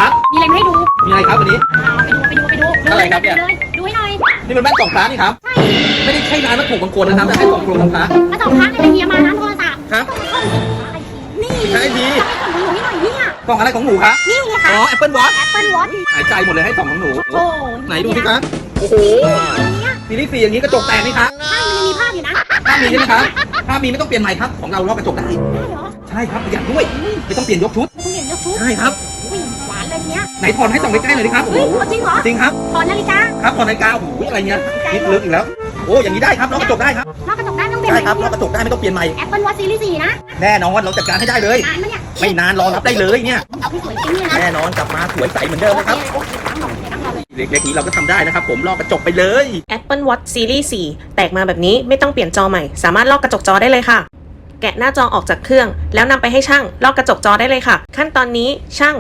ครับมีอะไรมาให้ดูมีอะไรครับวันนี้ไปดูอะไรครับเนี่ยดูให้หน่อยนี่มันแว่นส่องพระนี่ครับ ไม่ได้ใช่ร้านวัตถุมงคลนะครับแต่ให้ส่องโครงพระมาส่องพระอะไรเฮียมาร้านโทรศัพท์ครับนี่ใช่ดีส่องหนูให้หน่อยเนี่ยส่องอะไรของหนูครับนี่ไงอ๋คะอ Apple Watch Apple Watch หายใจหมดเลยให้ส่องของหนูโอ้ไหนดูสิครับโอ้โหเนี่ยซีรีส์4อย่างนี้กระจกแตกไหมครับใช่มันยังมีภาพอยู่นะถ้ามีใช่ไหมครับถ้ามีไม่ต้องเปลี่ยนใหม่ครับของเราลอกกระจกได้ได้เหรอใช่ครับประหยัดด้วยไม่ต้องเปลี่ยนยกชุดคุณเห็นยกชุดใช่ครับอุ้ยหวานเลยเนี้ยไหนถอนให้ส่องใกล้ๆหน่อยดิครับโอ้เฮ้โหยจริงเหรอจริงครับถอนนาฬิกาครับถอนนาฬิกาโอ้โหอะไรเงี้ยคิดลึกอีกแล้วโอ้อย่างนี้ได้ครับลอกกระจกได้ครับลอกกระจกได้ไม่ต้องเปลี่ยนใช่ครับลอกกระจกได้ไม่ต้องเปลี่ยนใหม่ Apple Watch Series 4นะแน่นอนเราจัดการให้ได้เลยนานมั้ยเนี่ยไม่นานรอรับได้เลยเนี่ยเอาพี่สวยจริงเนี่ยนะแน่นอนกลับมาสวยใสเหมือนเดิมนะครับโอเคตั้งหน่อยตั้งเราเลยเล็กๆนี้เราก็ทำได้นะครับผมลอกกระจกไปเลย Apple Watch Series 4 แตกมาแบบนี้ไม่ต้องเปลี่ยนจอใหม่ สามารถลอกกระจกจอได้เลยค่ะ แกะหน้าจอออกจากเครื่อง แล้วนำไปให้ช่างลอกกระจกจอได้เลยค่ะ ขั้นตอนนี้ช่าง